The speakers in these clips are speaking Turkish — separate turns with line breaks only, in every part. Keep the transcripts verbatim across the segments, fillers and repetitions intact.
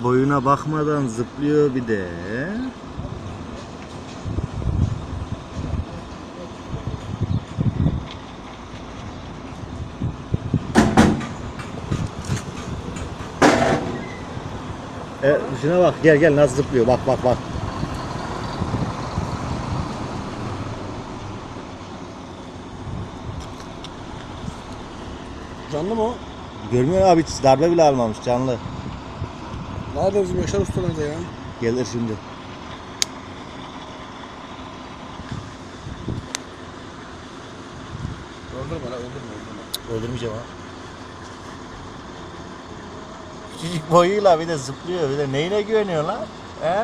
Boyuna bakmadan zıplıyor bir de. E, şuna bak, gel gel nasıl zıplıyor, bak bak bak.
Canlı mı o?
Görmüyor abi, hiç darbe bile almamış, canlı.
Nerede bizim Yaşar Usta nerede ya?
Gelir şimdi.
Öldürme lan öldürme öldürme.
Öldürmeyeceğim ha. Küçücük boyuyla bir de zıplıyor, bir de neyine güveniyor lan? He?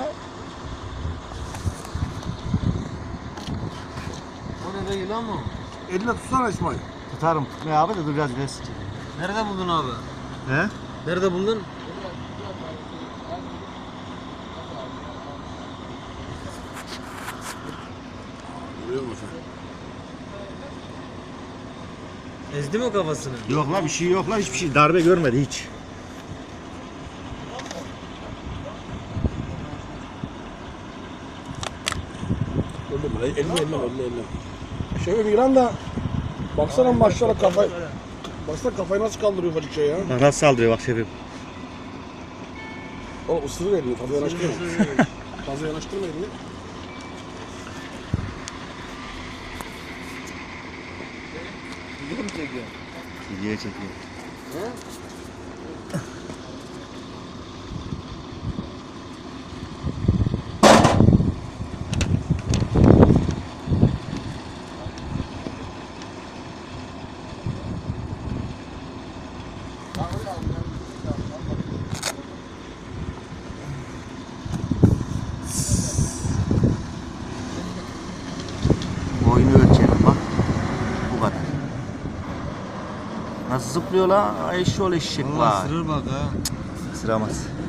O ne be, yılan mı?
Eline tutsana İsmail.
Tutarım, tutmuyor abi de dur biraz biraz.
Nerede buldun abi?
He?
Nerede buldun?
Görüyor musun?
Ezdi mi o kafasını?
Yok la, bir şey yok la, hiçbir şey, darbe görmedi hiç.
Öldürme lan. Elini elini elini elini. Şey Migran da baksana maçlara kafayı. Baksana kafayı nasıl kaldırıyor ufacık şey ya.
Bak nasıl saldırıyor bak şefim.
O ısırır elini fazla yanaştırma. Fazla yanaştırma elini.
Video mu çekiyor?
Videoya çekiyor.
He?
Boyunu ölçelim bak. Bu kadar. Nasıl zıplıyor la? Eşşoğlu eşek
Vallahi
var.
ısırır bak ha.
Sıramaz.